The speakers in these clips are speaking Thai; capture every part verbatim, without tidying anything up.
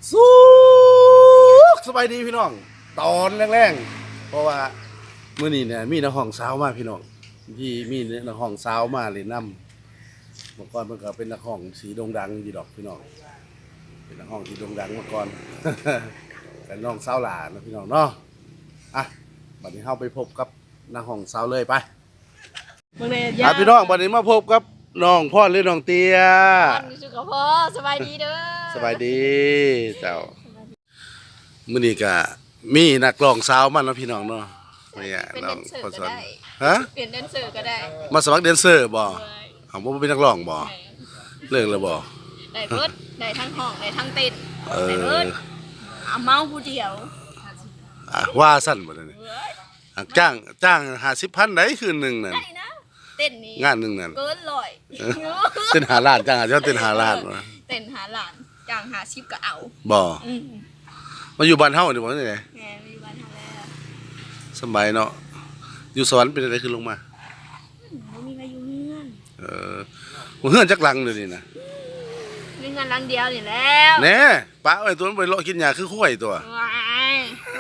สู้สบายดีพี่น้องตอนแรงๆเพราะว่ามื้อนี้เนี่ยมีนักห้องสาวมาพี่น้องที่มีนักห้องสาวมาเลยนำเมื่อก่อนมันก็เป็นนักห้องสีโด่งดังอยู่ดอกพี่น้องเป็นนักห้องที่โด่งดังมาก่อน เป็นน้องสาวหลานนะพี่น้องเนาะอ่ะบัดนี้เฮาไปพบกับนักห้องสาวเลยไปอ่ะพี่น้องบัดนี้มาพบกับน้องพ่อหรือน้องเตี้ยสุขภาพสบายดีเด้อสบายดีเจ้ามื้อนี้ก็มีนักร้องสาวมาเนาะพี่น้องเนาะนี่เป็นน้แดองนเซอร์พ่อสก็อนได้ฮะเปลี่ยนแดนเซอร์ก็ได้มาสมัครแดนเซอร์บ่เอาบ่เป็นนักร้องบ่เลิกแล้วบ่ได้เบิดได้ทั้งห้องได้ทั้งเต้นเอได้เบิอดเอาเมาผู้เดียวอ่ะว่าสั้นบ่ได้นี่อ่ะจ้างจ้างห้าสิบพันได้คืนหนึงนั่นได้นะเต้นนี้งานหนึงนั่นเกินร้อยเต้นหาล้านจ้างหาเจ้าเต้นหาล้านวะเต้นหาหลานจ้างหาชิปก็เอาบ่อืมมาอยู่บ้านเฮานี่บ่นี่ไงแหมมีบ้านทางแล้วสบายเนาะอยู่สวรรค์เป็นอะไรขึ้นลงมาอืมบ่มีใครอยู่เฮือนเออบ่เฮือนจักหลังเดี๋ยวนี้นะมีเงินหลังเดียวนี่แล้วแหน่ป้าไอ้ตัวนั้นไปเลาะกินหญ้าคือข้อยตัวว้าย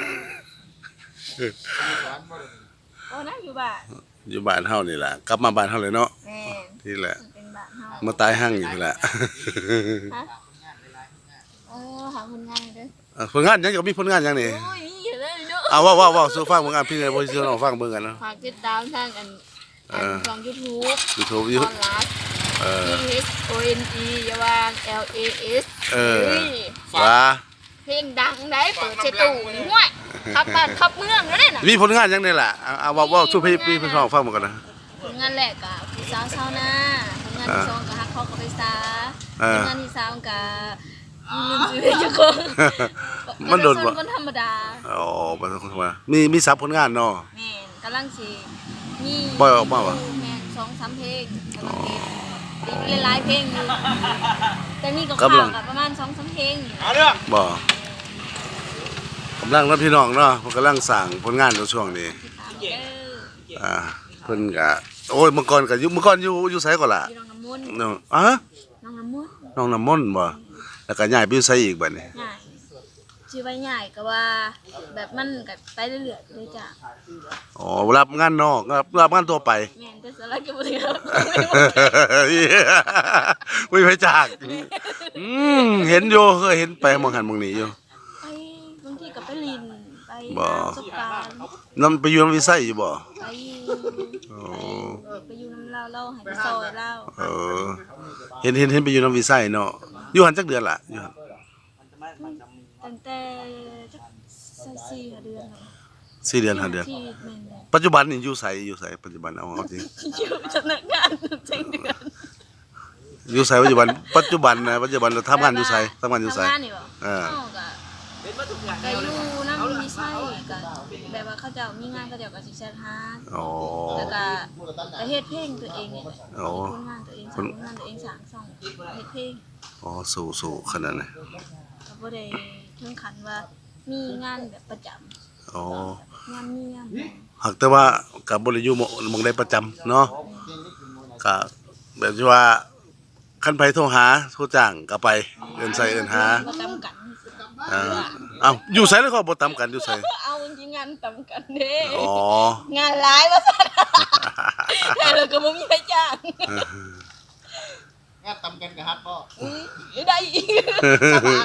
โอ้นะอยู่บ้านอยู่บ้านเฮานี่ล่ะกลับมาบ้านเฮาเลยเนาะแม่นนี่แหละเป็นบ้านเฮามาตายหั่งอยู่นี่แหละฮะเออหาคนงานเด้ออ่ะผลงานหยังก็มีผลงานหยังนี่โอ้ยมีอยู่เลยเนาะเอาเว้าเว้าเว้าสู่ฟังผลงานพี่เลยบ่สิน้องฟังเบิ่งกันเนาะฝากติดตามทางอันอันช่อง YouTube YouTube ออยู่อนไลน์เออ P H O N E อย่าวาง L A S เออฮ้ยว่าเพลงดังได้เปิดเชตูนี่ห้วยขับบ้านขับเมืองแล้วเนี่ยน่ะมีผลงานหยังนี่ล่ะเอาเอาเว้าเว้าสู่พี่พี่พี่น้องฟังเบิ่งกันนะผลงานแรกกับผู้สาวชาวนาผลงานที่สองกับฮักเขากับไปซาเอผอลงานที่สามกับลืมชื่อเพลงเจ้าของมันโดนบ่บ่คนธรรมดาอ๋อบ่ต้องว่ามีมีซับผลงานเนาะแม่นกำลังสิมีปล่อยออกมาวะแม่นสองสามเพลงกำลังเก็บอีกหลายๆเพลงอยู่แต่มีกับกำลัข่าวงกับประมาณสองสามเพลงอยู่บ่กำลังเนาะพี่น้องเนาะเพิ่นกำลังสร้างผลงานอยู่ช่วงนี้ตามเด้ออ่าเพิ่นก็โอ้ยเมื่อก่อนก็อยู่เมื่อก่อนอยู่อยู่ไสก่อนล่ะพี่น้องน้ำมนต์เนาะอ่ะน้องน้ำมนต์น้องน้ำมนต์บ่แล้วก็ย้ายไปอยู่ไสอีกบัดนี้ใหญ่ชื่อว่าใหญ่ก็ว่า แบบมันกับไปเรื่อยๆเลยจ้ะอ๋อรับงานนอกรับรับงานตัวไปแม่นแต่สาระก็บ่ได้ครับไม่ไปจากอืมเห็นอยู่เคยเห็นไปมองหันมองนี้อยู่ไปบางทีก็ไปลินไปบ่ประสบการณ์นำไปอยู่นำวิสัยอยู่บ่ไปอยู่อ๋อไปอยู่น้ำเล่าเล่าให้ไปซอยเล่าเออเห็นเห็นเห็นไปอยู่นำวิสัยเนาะอยู่หันจักเดือนล่ะอยู่หันตั้งแต่จักสี่ห้าเดือนแล้วสี่เดือนห้าเดือนที่แม่นเลยปัจจุบันนี่อยู่ไสอยู่ไสปัจจุบันเอาเอาจริงอยู่สำนักงานเจ็ดเดือนอยู่ไสปัจจุบันปัจจุบันนะปัจจุบันเราทำงานอยู่ไสทำงานอยู่ไสทำงานนี่บ่เออเฮาก็ก็อยู่น้ำมีไส้ก็แบบว่าเขาเจ้ามีงานเขาเจ้าก็สิแชทหาอ๋อแล้วก็ก็เฮ็ดเพลงตัวเองนี่แหละอ๋อเฮ็ดผลงานตัวเองสร้างผลงานตัวเองสร้างช่องเฮ็ดเพลงอ๋อสู่สู่ขนาดนั้นก็บ่ได้ถึงขั้นว่ามีงานแบบประจำอ๋องานเมียมหากแต่ว่ากับบริยูหมองได้ประจำเนาะก็แบบที่ว่าคันไปโทรหาโทรจ้างก็ไปเอินใส่เอินหาบ่ตำกันอ่าเอ้าอยู่ไสแล้วก็บ่ตำกันอยู่ไสเอาจริงๆงานตำกันเด้อ๋องานหลายว่าซั่นแต่เราก็บ่มีใครจ้างงานตำกันกับฮัทบ่อุ้ยได้อีกสบาย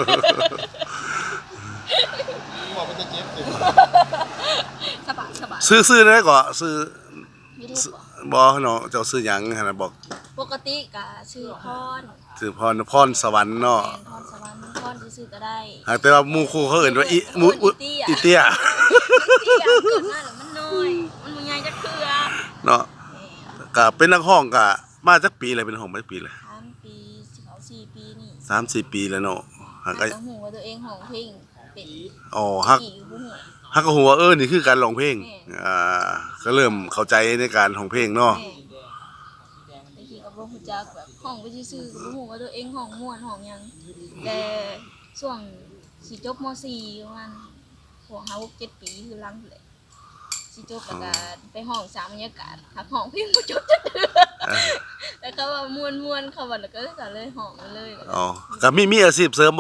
บอกว่าจะเจ็บสิสบายสบายซื้อซื้อได้ก็ซื้อมีรูปบ่บ่เนาะเจ้าซื้อหยังหั่นน่ะบอกปกติก็ชื่อพรซื้อพรพรสวรรค์เนาะแม่นพรสวรรค์พรซื่อๆก็ได้หากแต่ว่าหมู่ครูเขาเอิ้นว่าอีหมู่อุอีอีเตี้เตี้ยย มันเตี้ยเกิดมาแล้วมันน้อย มันบ่ใหญ่จักเทื่อเนาะก็เป็นนักห้องก็มาจักปีเลยเป็นห้องมาจักปีเลยสามปีสิเขาสี่ปีนี่สามสี่ปีแล้วเนาะหากหาก็ก็หูว่าตัวเองห้องเพลงเป็นอ๋อฮักกี่บ่ฮู้ฮักก็ฮู้ว่าเออนี่คือการร้องเพลงแม่อ่าก็เริ่มเข้าใจในการร้องเพลงเนาะแม่แต่กี้ก็บ่ฮู้จักแบบห้องไปซื่อๆก็บ่ฮู้ว่าตัวเองห้องม่วนห้องหยังแต่ช่วงสิจบม สี่ประมาณพวกห้า หก เจ็ดปีคือหลังพุ่นแหละสิจบแล้วก็ไปห้องสามบรรยากาศหักห้องเพลงบ่จบจักเทื่อแล้วก็ว่าม่วนๆเข้าบัดแล้วก็ก็เลยห้องมาเลยอ๋อก็มีมีอาชีพเสริมบ่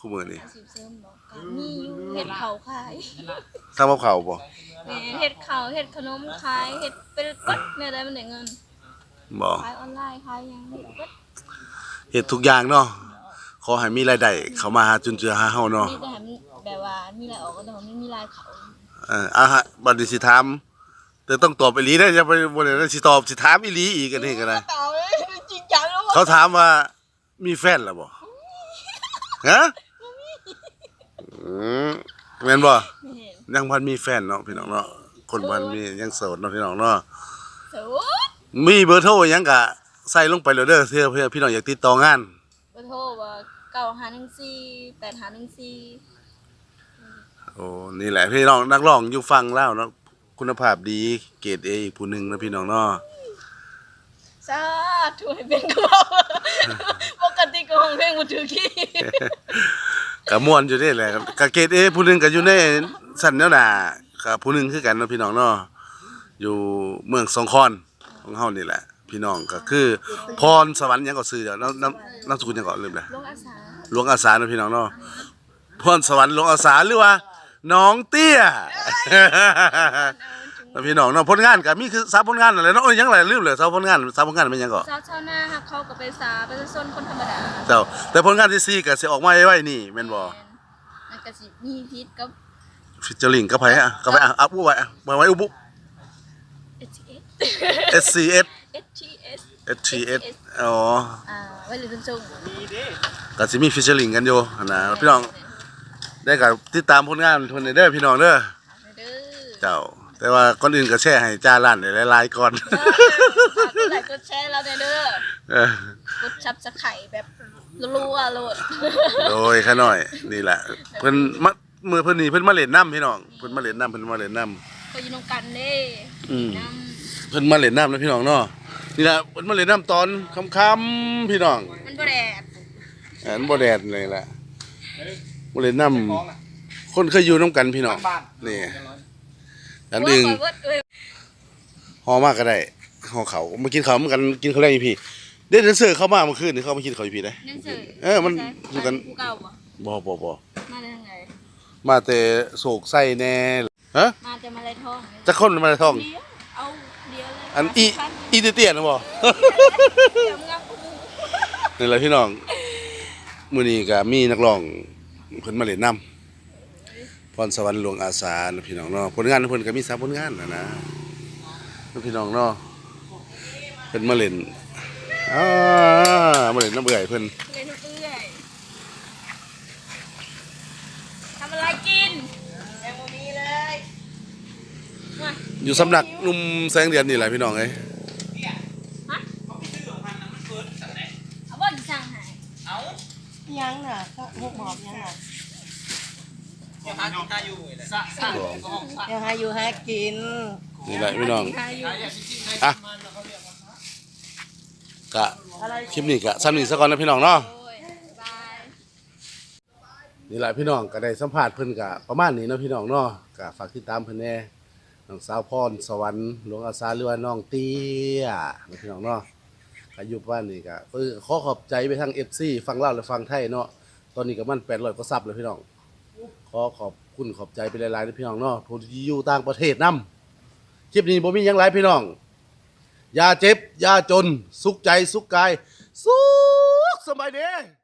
คู่มือนี่อาชีพเสริมบอกก็มีอยู่เฮ็ดข้าวขายทำกับข้าวบ่แม่เฮ็ดข้าวเฮ็ดขนมขายเฮ็ดเป็นปัดเนี่ยได้มันได้เงินบ่ขายออนไลน์ขายหยังเฮ็ดปัดเฮ็ดทุกอย่างเนาะขอให้มีรายได้เข้ามาหาจุนเจือหาเฮาเนาะมีแต่ให้มันแบบว่ามีรายออกก็ต้องไม่มีรายเขาเอออ่ะฮะบัดนี้สิถามแต่ต้องตอบอีหลีได้ออย่าไปบ่ได้สิตอบสิถามอีหลีอีกอันนี้ก็ได้เต่าเลยจริงจังแล้วเขาถามว่ามีแฟนแล้วบ่ฮะอืมแม่นบ่ไม่เห็นยังพันมีแฟนเนาะพี่น้องเนาะคนพันมียังโสดเนาะพี่น้องเนาะสูดมีเบอร์โทรหยังก็ใส่ลงไปเลยเด้อเพื่อเพื่อพี่น้องอยากติดต่องานเบอร์โทรว่าเก้าห้าหนึ่งสี่แปดห้าหนึ่งสี่โอ้นี่แหละพี่น้องนักร้องอยู่ฟังแล้วเนาะคุณภาพดีเกรด A อีกผู้หนึงนะพี่น้องเนาะสาธุให้เป็นกูปกติก็ห้องเพลงบ่ถือขี้ก็ม่วนอยู่เด้แหละก็เกรด A ผู้หนึงก็อยู่ในสั่นแนวหน้าก็ผู้หนึงคือกันเนาะพี่น้องเนาะอยู่เมืองสงขลาของเฮานี่แหละ พี่น้องก็คือพรสวรรค์หยังก็ซื้อเดี๋ยวน้ำน้ำน้ำสกุลหยังก็ลืมแล้วลงอาสาหลวงอาสาเนาะพี่น้องเนาะพรสวรรค์หลวงอาสาหรือว่าน้องเตี้ย แล้วพี่น้องเนาะผลงานก็มีคือสามผลงานอะไรเนาะโอ้ยยังหลายลืมเลยสามผลงานสามผลงานเป็นหยังก่อชาวชาวนาฮักเขาก็ไปสาประชาชนคนธรรมดาเจ้าแต่ผลงานที่สี่ก็สิออกมาไว้นี่แม่นบ่มันก็สิมีพิษกับฟิชเจอริงกับไผอ่ะกับไผอ่ะอัพไว้อ่ะไว้ไว้อุบุเอช ที เอสเอส ซี เอสเอช ที เอสเอช ที เอส อ๋ออ่าไว้หรือเป็นส่งก็สิมีฟิชเจอริงกันอยู่นะพี่น้องได้ก็ติดตามผลงานเพิ่นเด้อพี่น้องเด้อเด้อเจ้าแต่ว่าก่อนอื่นก็แชร์ให้จ้าล้านได้หลายๆก่อนฝากกดไลค์กดแชร์เราเด้อเออกดซับสไครต์แบบรัวๆโลดโดยขาน้อยนี่แหละเพิ่นมามือเพิ่นนี่เพิ่นมาเล่นน้ำพี่น้องเพิ่นมาเล่นน้ำเพิ่นมาเล่นน้ำก็อยู่นำกันเด้อืมน้เพิ่นมาเล่นน้ำนะพี่น้องเนาะนี่แหละเพิ่นมาเล่นน้ำตอนค่ำๆพี่น้องำมันบ่แดดอันบ่แดดเลยแหละมาเล่นน้ำคนเคยอยู่น้ำกันพี่น้องนี่อันอื่นโยโยเอ้ยห่อมากก็ได้ห่อเขามากินเขาวเหมือนกันกินเขาวแรงอีพี่เด็ดเดนเซอร์เข้ามาเมื่อคืนนี่เขามากินเขาวอีพี่ได้นั่นเสิร์เออมันอยู่กันผู้เก่าบ่บ่บ่บ่มาได้ทางไหนมาแต่โศกไส้แน่ฮะมาแต่มาลายทองจะคนมาท้องเดียวเอาเดียวเลยอันอีอีเตี้ยๆนะบ่เดี๋ยวมึงเอากูนี่แหละพี่น้องมื้อนี้ก็มีนักร้องเพิ่นมาเล่นน้ำพรสวรรค์หลวงอาสานะพี่น้องเนาะผลงานเพิ่นก็มีสามผลงานนะนะพี่น้องเนาะเพิ่นมาเล่นอ่ามาเล่นน้ำเบื่อยเพิ่นเลยทุกเอื้อยทำอะไรกินยังบ่มีเลยมาอยู่สำนักหนุ่มแสงเดือนนี่แหละพี่น้องเอ้ยฮะเอาบ่อนสั่งให้ยังน่ะก็พวกหมอบยังน่ะยังหาอยู่หากินนี่แหละพี่น้องใครอยู่อ่ะกะคลิปนี้กะซ้ำนี้ซะก่อนนะพี่น้องเนาะโอ้ยบายนี่แหละพี่น้องก็ได้สัมภาษณ์เพิ่นกะประมาณนี้เนาะพี่น้องเนาะกะฝากติดตามเพิ่นแน่น้องสาวพรสวรรค์หลวงอาสาหรือว่าน้องเตี้ยนะพี่น้องเนาะก็อยู่บ้านนี่กะเออขอขอบใจไปทาง เอฟ ซี ฟังลาวและฟังไทยเนาะตอนนี้ก็มันแปดร้อยกว่าซับเลยพี่น้องขอขอบคุณขอบใจไปหลายๆนะพี่น้องเนาะผู้ที่อยู่ต่างประเทศนํคลิปนี้บ่มีหยังหลายพี่น้อง อย่าเจ็บ อย่าจน สุขใจ สุขกาย สุขสบายดี